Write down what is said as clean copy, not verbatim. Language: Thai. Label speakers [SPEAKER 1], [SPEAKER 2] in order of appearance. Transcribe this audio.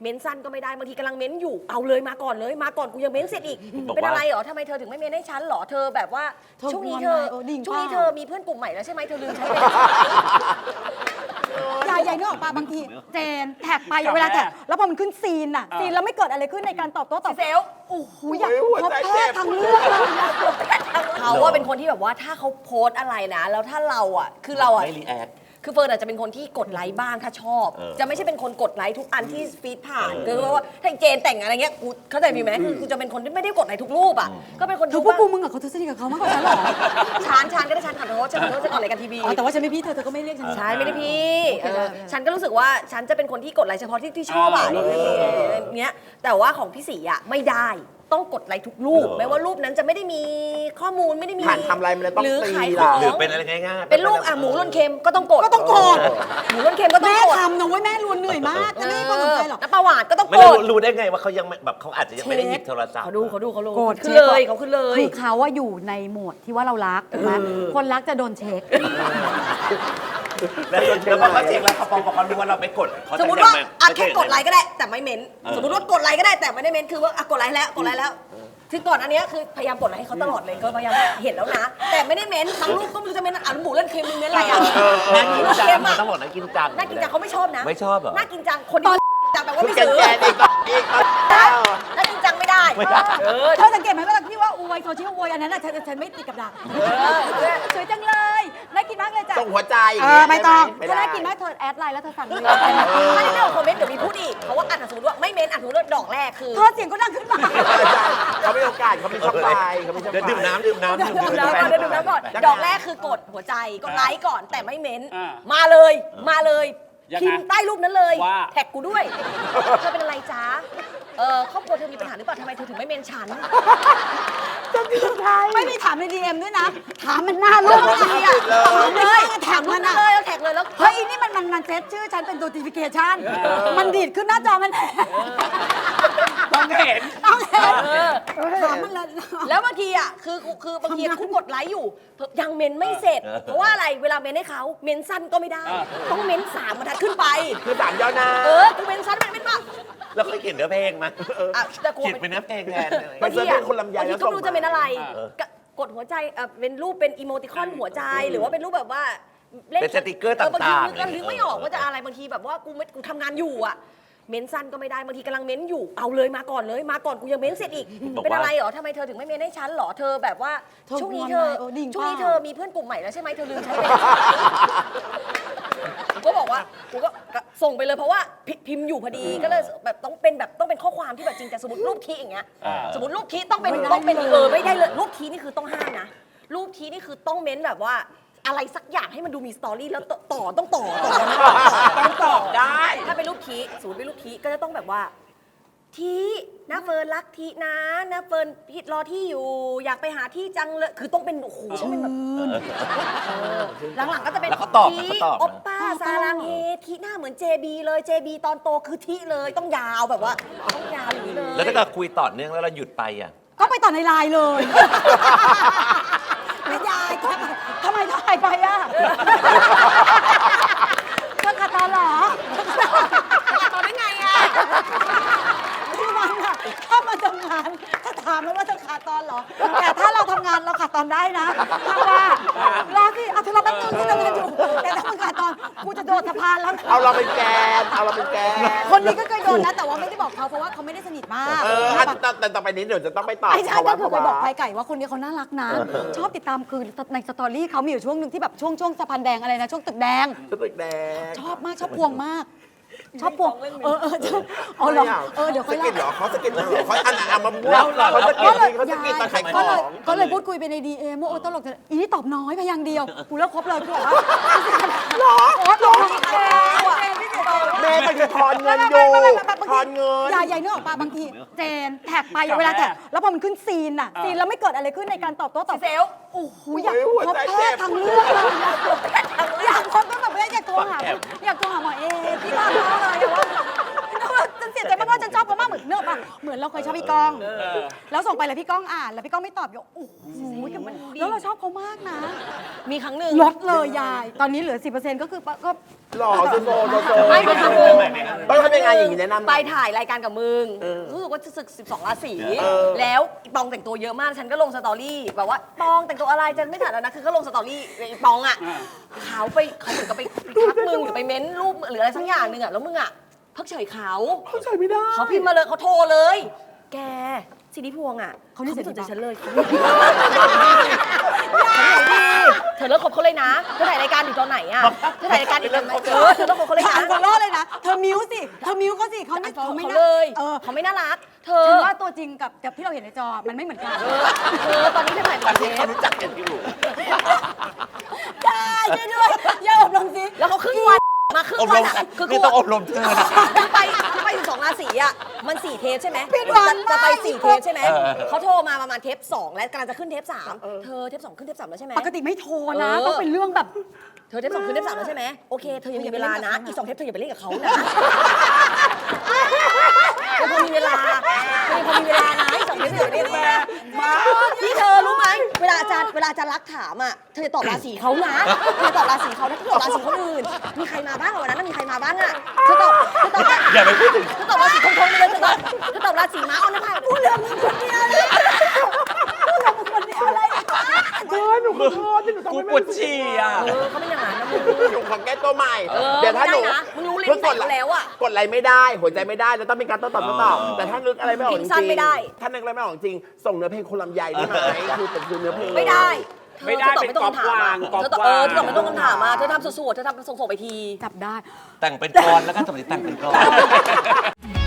[SPEAKER 1] เม้นสั้นก็ไม่ได้บางทีกำลังเม้นอยู่เอาเลยมาก่อนเลยมาก่อนกูยังเม้นเสร็จอีกเป็นอะไรเหรอทำไมเธอถึงไม่เม้นให้ฉันเหรอเธอแบบว่าช่วงนี้เธอมีเพื่อนกลุ่มใหม่แล้วใช่ไหมเธอลืมใช้ไป
[SPEAKER 2] ใหญ่ๆนึกออกปะบางทีเจนแท็กไปเวลาแท็กแล้วพอมันขึ้นซีนอะซีนแล้วไม่เกิดอะไรขึ้นในการตอบโต้ตอบ
[SPEAKER 1] เซล
[SPEAKER 2] โอ้โหอยากพบแพทย์ทางเลือก
[SPEAKER 1] เขาว่าเป็นคนที่แบบว่าถ้าเขาโพสอะไรนะแล้วถ้าเราอ่ะคือเราอ่ะ
[SPEAKER 3] ไม่รีแอค
[SPEAKER 1] คือเฟิร์นอาจจะเป็นคนที่กดไลค์บ้างถ้าชอบจะไม่ใช่เป็นคนกดไลค์ทุกอันที่ฟีดผ่านคือว่าถ้าเจนแต่งอะไรเงี้ยกูเข้าใจมีไหมคือจะเป็นคนที่ไม่ได้กดไลค์ทุกรูปอ่ะก็เป็นคน
[SPEAKER 2] พวกกูมึงกับเขาสนิทกับเขามากกว่าฉันหรอ
[SPEAKER 1] ฉันก็ได้ฉันขอโทษฉันขอโทษจะกดรายการทีวี
[SPEAKER 2] แต่ว่าฉันไม่พี่เธอก็ไม่เรียกฉัน
[SPEAKER 1] ใช่ไม่ได้พี่ฉันก็รู้สึกว่าฉันจะเป็นคนที่กดไลค์เฉพาะที่ชอบอ่ะเนี้ยแต่ว่าของพี่ศรีอ่ะไม่ได้ต้องกดไลค์ทุกรูปแม้ว่ารูปนั้นจะไม่ได้มีข้อมูลไม่ได้มี
[SPEAKER 4] ผ่านทำอะไรมันเลยต้อง
[SPEAKER 1] หรือขายข
[SPEAKER 4] อ
[SPEAKER 1] อง
[SPEAKER 3] หรือเป็นอะไรง่ายๆ
[SPEAKER 1] เป็นรูปหมูล้นเค็มก็ต้องกดหมูล้นเค็มก็ต้อง
[SPEAKER 2] แม่
[SPEAKER 1] กด
[SPEAKER 2] ทำนะเว้ยแม่รวนเหนื่อยมากแต่ไม่ก็สนใจหรอก
[SPEAKER 1] น้ำปลาหวานก็ต้อง
[SPEAKER 3] ไม่
[SPEAKER 1] กด
[SPEAKER 3] รู้ได้ไงว่าเขายังแบบเขาอาจจะยังไม่ได้หยิบโทรศัพท์
[SPEAKER 1] เขาดู
[SPEAKER 2] กด
[SPEAKER 1] ขึ้นเลยเขาขึ้นเลย
[SPEAKER 2] คือเขาว่าอยู่ในโหมดที่ว่าเรารักถูกไหมคนรักจะโดนเช็ค
[SPEAKER 3] แล้วพอเขาเช็คแล้วเขารู้ว่าเราไม่กด
[SPEAKER 1] สมมติว่าแค่กดไลค์ก็ได้แต่ไม่เม้นสมมติว่ากดไลค์ก็ได้แต่ไม่ได้เม้นคือว่ากดไลค์แล้วคือก่อนอันนี้คือพยายามกดไลค์ให้เขาตลอดเลยก็พยายามเห็นแล้วนะแต่ไม่ได้เม้นบางรูปก็ไม่รู้จะเม้นหมูเล่นเค็มมึงเม้นอะไรอ่ะ
[SPEAKER 3] น่ากินจังต้องบอกน่ากินจัง
[SPEAKER 1] น่ากินจังเขาไม่ชอบนะ
[SPEAKER 3] ไม่ชอบเหรอ
[SPEAKER 1] น่ากินจังคนที่จังแบบว่าไม่ซื้อน่ากินจังไม่ได้
[SPEAKER 2] เธอสังเกตไหมเวลาที่ว่าอวยโซเชียลอวยอันนั้นฉันไม่ติดกับดักสวยจังเลยน่ากินมากเลยจ้ะ
[SPEAKER 4] ส่งหัวใจ
[SPEAKER 2] ไม่ต้องถ้าน่ากินมากเธอแอดไลน์แล้วเธอสั่งเลย
[SPEAKER 1] ไม่ได้เรื่องคอมเมนต์เดี๋ยวมีพูดอีกเพราะว่าสมมติว่าไม่เม้นสมมติว่าดอกแรกคือ
[SPEAKER 2] เธอเสียงก็ดังขึ้นมา
[SPEAKER 4] เขาไม่โอกาสเขาไม่ชอบไปเขาไม่ชอบไป
[SPEAKER 3] ดื่มน้ำก่อน
[SPEAKER 1] ดอกแรกคือกดหัวใจกดไลค์ก่อนแต่ไม่เม้นมาเลยพิมพ์ใต้รูปนั้นเลยแท็กกูด้วยเธอเป็นอะไรจ๊ะครอบครัวเธอมีปัญหาหรือเปล่าทำไมเธอถึงไม่เมนฉัน
[SPEAKER 2] ไม่มีถามใน DM ด้วยนะถามมันหน้ารูปเลยแท็กมันเลยแล้วเฮ้ยนี่มันเซตชื่อฉันเป็น notification มันดีดขึ้นหน้าจอมัน
[SPEAKER 3] ต้องเห็น
[SPEAKER 2] ถามมันเลย
[SPEAKER 1] แล้วบางทีอ่ะคือบางทีกูกดไลค์อยู่ยังเมนไม่เสร็จเพราะว่าอะไรเวลาเมนให้เขาเมนสั้นก็ไม่ได้ต้องเมน3บรรทัดขึ้นไป
[SPEAKER 4] คือ3ย่อหน้า
[SPEAKER 1] กูเมนสั้นมันเป็นปะ
[SPEAKER 3] แล้วเคยเขียนเนื้อเพลงไหมเขียนเป็นเนื้อเพลงแทน
[SPEAKER 1] บางทีคนลำไยแล้วก็รู้จะเป็นอะไรกดหัวใจเป็นรูปเป็นอีโมติคอนหัวใจหรือว่าเป็นรูปแบบว่า
[SPEAKER 3] เป็นสติกเกอร์ต่างๆ
[SPEAKER 1] บางทีนึกไม่ออกว่าจะอะไรบางทีแบบว่ากูทำงานอยู่อ่ะเม้นสั้นก็ไม่ได้บางทีกำลังเม้นอยู่เอาเลยมาก่อนกูยังเม้นเสร็จอีกเป็นอะไรเหรอทำไมเธอถึงไม่เม้นให้ฉันเหรอเธอแบบว่าช่วงนี้เธอมีเพื่อนกลุ่มใหม่แล้วใช่ไหมเธอลืมใช้ไปกูก็บอกว่ากูก็ส่งไปเลยเพราะว่าพิมพ์อยู่พอดีก็เลยแบบต้องเป็นข้อความที่แบบจริงแต่สมมติรูปทีอย่างเงี้ยสมมติรูปทีต้องเป็นไม่ได้เลยรูปทีนี่คือต้องห้ามนะรูปทีนี่คือต้องเม้นแบบว่าอะไรสักอย่างให้มันดูมีสตอรี่แล้วต้องต่อ
[SPEAKER 4] ได้
[SPEAKER 1] ถ้าเป็นรูปทีสมมติเป็นรูปทีก็จะต้องแบบว่าทีนะเฟิร์นรักทีนะเฟิร์นพิดรอที่อยู่อยากไปหาที่จังเลยคือต้องเป็นโอ้โหต้องเป็นแบบหลังๆก็จะเป็นทีโอปป้าซาลังเฮทีหน้าเหมือน JB เลย JB ตอนโตคือทีเลยต้องยาวแบบว่าต้องยาวอย่างนี้เลย
[SPEAKER 3] แล้วถ้าเกิดคุยต่อเนื่องแล้วเราหยุดไปอ่ะ
[SPEAKER 2] ก็ไปต่อในไลน์เลยไม่ยายทำไมถ่ายไปอ่ะเธอขาดตอนเหรอ
[SPEAKER 1] ตอนได้ไงอ่ะ
[SPEAKER 2] ที่มันอ่ะถ้ามาทำงานถ้าถามแล้วว่าเธอขาดตอนเหรอแต่ถ้าเราทำงานเราขาดตอนได้นะถ้าว่ารอสิเอาเธอรอแป๊บนึงที่ทำงานอยู่แต่ถ้ามึงขาดตอนกูจะโดดสะพานแล้ว
[SPEAKER 4] เอาเราเป็นแกน
[SPEAKER 2] คนนี้ก็เคยโดนนะแต่ว่าไม่ได้บอกเขาเพราะว่าเขาไม่ได้สนิทมาก
[SPEAKER 4] แต่ต่อไปนี้เดี๋ยวจะต้องไปตอบ
[SPEAKER 2] ไอ้ใช่ก็คือไปบอกไก่ว่าคนนี้เขาน่ารักนะชอบติดตามคือในสตอรี่เขามีอยู่ช่วงหนึ่งที่แบบช่วงสะพานแดงอะไรนะช่วงตึกแดงชอบมากชอบพวงมากชอบพวงเหรอเดี๋ยวค่อยเล่า
[SPEAKER 4] เขาสกินเหรอเขาอันมาบ้วนเขาสกินตะไคร้ของ
[SPEAKER 2] ก็เลยพูดคุยไปใน DM ว่าตลกแต่อีนี่ตอบน้อยพยางเดียวกูเลิกคบเลยกูบอกว่า
[SPEAKER 4] หรอแม่มันคือทอนเงินอยู่ทอนเงิน
[SPEAKER 2] ใหญ่ๆนึกออกปะบางทีเจนแท็กไปเวลาแท็กแล้วพอมันขึ้นซีนแล้วไม่เกิดอะไรขึ้นในการตอบโต้ตอบโอ้โหอยากพบแพทย์ทางเลือกอยากพบก็แบบไม่อยากโทรหาหมอเอที่บ้านเขาเลยว่าฉันเสียใจมากว่าฉันชอบเขามากเหมือนเนื้อปะเหมือนเราเคยชอบพี่ก้อง แล้วส่งไปแล้วพี่ก้องอ่าน แล้วพี่ก้องไม่ตอบโอ้โหแล้วเราชอบเขามากนะ
[SPEAKER 1] มีครั้งหนึ่ง
[SPEAKER 2] ลดเลยยาย ตอนนี้เหลือ 10%ก็คือก็
[SPEAKER 4] หล่อโซโซโซโซ
[SPEAKER 1] ไม่ไปทำมึง
[SPEAKER 4] ต้องทำยังไงอย่างนี้แนะนำ
[SPEAKER 1] ไปถ่ายรายการกับมึง รู้สึกว่าจะศึก 12 ราศี แล้วอีปองแต่งตัวเยอะมาก ฉันก็ลงสตอรี่แบบว่าปองแต่งตัวอะไรจะไม่ถ่ายแล้วนะ คือก็ลงสตอรี่อีปองอ่ะเขาเหมือนกับไปทักมึงหรือไปเม้นรูปหรืออะไรสักอย่างหนึ่งอ่ะ แล้วมึงอ่ะเพิกเฉยเขา
[SPEAKER 4] เข้าใจไม่ได้
[SPEAKER 1] เขาพิมพ์มาเลยเขาโทรเลย แกสิริพวงอ่ะ
[SPEAKER 2] เขานี่
[SPEAKER 1] ไม่สนใจ
[SPEAKER 2] เสีย
[SPEAKER 1] ฉันเลยเธอเลิกคบเขาเลยนะ เธอถ่ายรายการอยู่ตอนไหนอ่ะ เธอถ่ายรายการอีกตอนไหนเธอเลิกคบเขาเลย
[SPEAKER 2] เธอ
[SPEAKER 1] นะ
[SPEAKER 2] อันฟอลโล่เลยนะ เธอมิวสิ เธอมิวเขาสิเขาไม่
[SPEAKER 1] เขา
[SPEAKER 2] ไม่
[SPEAKER 1] เลย
[SPEAKER 2] เออ
[SPEAKER 1] เขาไม่น่ารัก เธอ
[SPEAKER 2] ฉันว่าตัวจริงกับที่เราเห็นในจอ มันไม่เหมือนกัน
[SPEAKER 1] เธอตอนนี้เธอถ่าย
[SPEAKER 4] อัน
[SPEAKER 1] เท
[SPEAKER 4] นี้เขา
[SPEAKER 1] ป
[SPEAKER 4] รู้จักกันอยู่
[SPEAKER 2] ได้ช่วยด้วยอย่าอบรมสิ
[SPEAKER 1] แล้วเขาครึ่งวันมาครึ่ง
[SPEAKER 3] อบ
[SPEAKER 1] วั
[SPEAKER 3] ร
[SPEAKER 1] น
[SPEAKER 3] ม
[SPEAKER 1] อ่ะคือ
[SPEAKER 3] นี่
[SPEAKER 1] กู
[SPEAKER 3] ต้องอบรมเธอนะ
[SPEAKER 1] ไป12 ราศีอ่ะมัน4 เทปใช่ไหม
[SPEAKER 2] ผิดหวัง
[SPEAKER 1] จะไป
[SPEAKER 2] มาก
[SPEAKER 1] 4 เทปใช่ไหมเขาโทรมาประมาณเทป 2 แล้วกำลังจะขึ้นเทป 3 เธอเทป 2 ขึ้นเทป 3 แล้วใช่ไหม
[SPEAKER 2] ปกติไม่โทรนะ
[SPEAKER 1] เออ
[SPEAKER 2] ต้องเป็นเรื่องแบบ
[SPEAKER 1] เธอเทป 2 ขึ้นเทป 3 แล้วใช่ไหมโอเคเธอยังมีเวลานะอีก 2 เทปเธออย่าไปเล่นกับเขานะเธอพอมีเวลานะอีก 2 เทปเธออย่าไปเล่นกับเขามาพี่เธอรู้ไหมเวลาอาจารย์รักถามอ่ะเธอจะตอบราศีเขานะเธอตอบราศีเขานะเธอตอบราศีคนอื่นมีใครมาบ้างวันนั้นมีใครมาบ้างอ่ะเธอตอบ
[SPEAKER 3] อย่าไปพูดถึง
[SPEAKER 1] เธอตอบราศีทงไปเลยเธอตอบราศีม้าเอาหน้าผากพูดเรื่องมึงคนเดียวเลยพูดเรื่องมึงคนเดียวเลย
[SPEAKER 4] หนูขอโทษที่หนูทำ
[SPEAKER 3] กู
[SPEAKER 4] ไม่
[SPEAKER 3] ปวดฉี่อ่ะ
[SPEAKER 1] เขาไม่อย่างนั้นนะมึง
[SPEAKER 4] หนูขอแก้ตัวใหม่
[SPEAKER 1] เออ
[SPEAKER 4] เดี๋ยวถ้าหนู
[SPEAKER 1] ไม่ได้นะมึงรู้ลิ้น
[SPEAKER 4] เพิ่งกด
[SPEAKER 1] ใส่เขาแล้วอะ
[SPEAKER 4] กดอะไรไม่ได้ หัวใจไม่ได้แล้วต้องมีการโต้ตอบแต่ถ้านึกอะไรไม่ออกจ
[SPEAKER 1] ทิ้
[SPEAKER 4] ริ
[SPEAKER 1] งสั้น
[SPEAKER 4] ง
[SPEAKER 1] ไม่ได้
[SPEAKER 4] ถ้านึกอะไรไม่ออกจริง ส่งเนื้อเพลงคนลำไยได้ไหมคือเป็นเนื้อเพลง
[SPEAKER 1] ไม่ได้
[SPEAKER 5] ไม่ได้
[SPEAKER 1] เธอตอบไม่ตรงคำถามอะ
[SPEAKER 5] เป็นก๊อป
[SPEAKER 1] เธอตอบ
[SPEAKER 5] วาง
[SPEAKER 1] เธอตอบไม่ตรงคำถามมาเธอทำสวดๆเธอทำส่งไปที
[SPEAKER 2] จับได้
[SPEAKER 3] แต่งเป็นกรแล้วก็สมัยแต่งเป็นกร